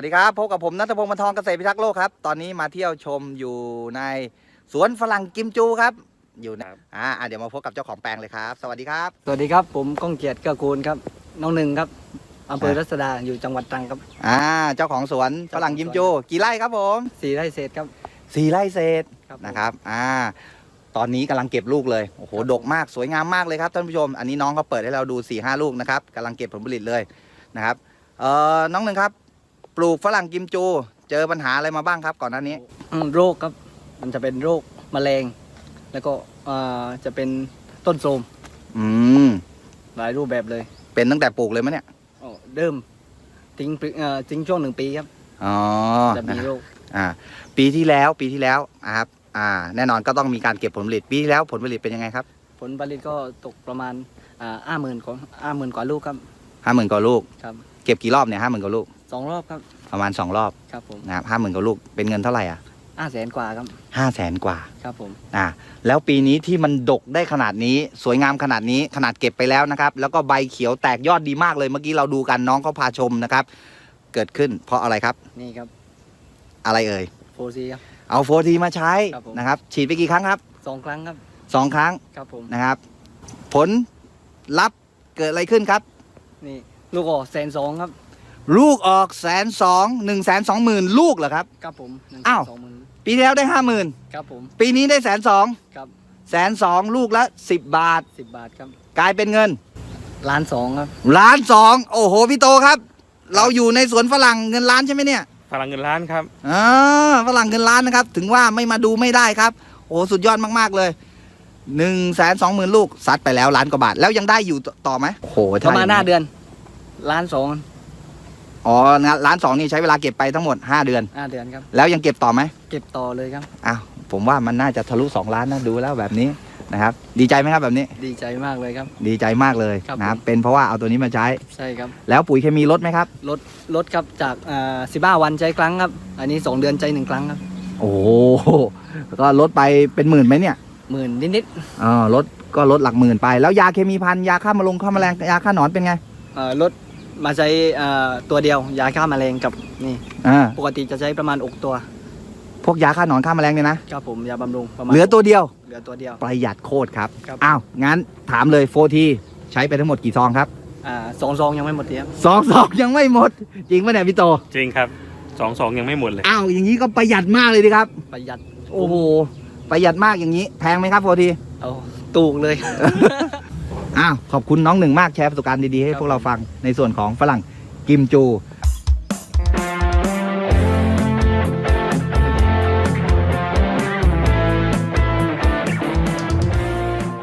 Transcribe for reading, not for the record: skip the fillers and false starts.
วัสดีครับพบกับผมณัฐพงศ์ บรรทองเกษตรพิทักษ์โลกครับตอนนี้มาเที่ยวชมอยู่ในสวนฝรั่งกิมจูครับอยู่นะเดี๋ยวมาพบกับเจ้าของแปลงเลยครับสวัสดีครับสวัสดีครับผมก้องเกียรติเกื้อกูลครับน้องหนึ่งครับอำเภอรัศดาอยู่จังหวัดตรังครับเจ้าของสวนฝรั่งกิมจูกี่ไร่ครับผม 4 ไร่เศษครับ 4 ไร่เศษครับนะครับตอนนี้กำลังเก็บลูกเลยโอ้โหดกมากสวยงามมากเลยครับท่านผู้ชมอันนี้น้องเขาเปิดให้เราดู 4-5 ลูกนะครับกำลังเก็บผลผลิตเลยนะครับน้องหนึ่งครับปลูกฝรั่งกิมจูเจอปัญหาอะไรมาบ้างครับก่อนหน้านี้โรคครับมันจะเป็นโรคแมลงแล้วก็จะเป็นต้นโทรมหลายรูปแบบเลยเป็นตั้งแต่ปลูกเลยมั้ยเนี่ยเริ่มทิ้งช่วง1 ปีครับจะมีโรคปีที่แล้วครับแน่นอนก็ต้องมีการเก็บผลผลิตปีที่แล้วผลผลิตเป็นยังไงครับผลผลิตก็ตกประมาณ50,000 กว่าลูกครับ 50,000 กว่าลูกครับเก็บกี่รอบเนี่ย50,000 กว่าลูก 2 รอบครับประมาณ2 รอบครับผมนะครับ50,000 กว่าลูกเป็นเงินเท่าไหร่ 500,000 กว่าครับ 500,000 กว่าครับผมแล้วปีนี้ที่มันดกได้ขนาดนี้สวยงามขนาดนี้ขนาดเก็บไปแล้วนะครับแล้วก็ใบเขียวแตกยอดดีมากเลยเมื่อกี้เราดูกันน้องเขาพาชมนะครับเกิดขึ้นเพราะอะไรครับนี่ครับอะไรเอ่ยโฟซีครับเอาโฟทีมาใช้นะครับฉีดไปกี่ครั้งครับ 2 ครั้งครับ 2 ครั้งครับผมนะครับผลลัพธ์เกิดอะไรขึ้นครับนี่ลูกออก120,000ครับลูกออก120,000 120,000 ลูกเหรอครับครับผม 120,000ปีที่แล้วได้50,000 ครับผมปีนี้ได้120,000 ครับ 120,000ลูกละ10 บาทครับกลายเป็นเงิน 1,200,000ครับ 1,200,000โอ้โหพี่โตครับเราอยู่ในสวนฝรั่งเงินล้านใช่ไหมเนี่ยฝรั่งเงินล้านครับฝรั่งเงินล้านนะครับถึงว่าไม่มาดูไม่ได้ครับโอ้สุดยอดมากๆเลย120,000 ลูกซัดไปแล้ว1,000,000 กว่าบาทแล้วยังได้อยู่ต่อไหมโอ้โหประมาณ5 เดือน1,200,000 1,200,000นี่ใช้เวลาเก็บไปทั้งหมด5 เดือนครับแล้วยังเก็บต่อไหมเก็บต่อเลยครับผมว่ามันน่าจะทะลุ2 ล้านนะดูแล้วแบบนี้นะครับดีใจไหมครับแบบนี้ดีใจมากเลยครับดีใจมากเลยนะครับเป็นเพราะว่าเอาตัวนี้มาใช้ใช่ครับแล้วปุ๋ยเคมีลดไหมครับลดครับจาก15 วันใช้ครั้งครับอันนี้2 เดือนใช้1 ครั้งครับโอ้ก็ลดไปเป็น10,000ไหมเนี่ย 10,000นิดลดก็ลดหลักหมื่นไปแล้วยาเคมีพันยาฆ่าแมลงยาฆ่าหนอนเป็นไงลดมาใช้ตัวเดียวยาฆ่าแมลงกับนี่ปกติจะใช้ประมาณ6 ตัวพวกยาฆ่าหนอนฆ่าแมลงเนี่ยนะครับผมยาบำรุงประมาณเหลือตัวเดียวประหยัดโคตรครับงั้นถามเลยโฟทีใช้ไปทั้งหมดกี่ซองครับ 2 ซองยังไม่หมดครับ 2 ซองยังไม่หมดจริงป่ะเนี่ยพี่โตจริงครับ2 ซองยังไม่หมดเลยอย่างนี้ก็ประหยัดมากเลยดิครับประหยัดโอ้โหประหยัดมากอย่างนี้แพงไหมครับโฟทีถูกเลยขอบคุณน้องหนึ่งมากแชร์ประสบการณ์ดีๆให้พวกเราฟังในส่วนของฝรั่งกิมจู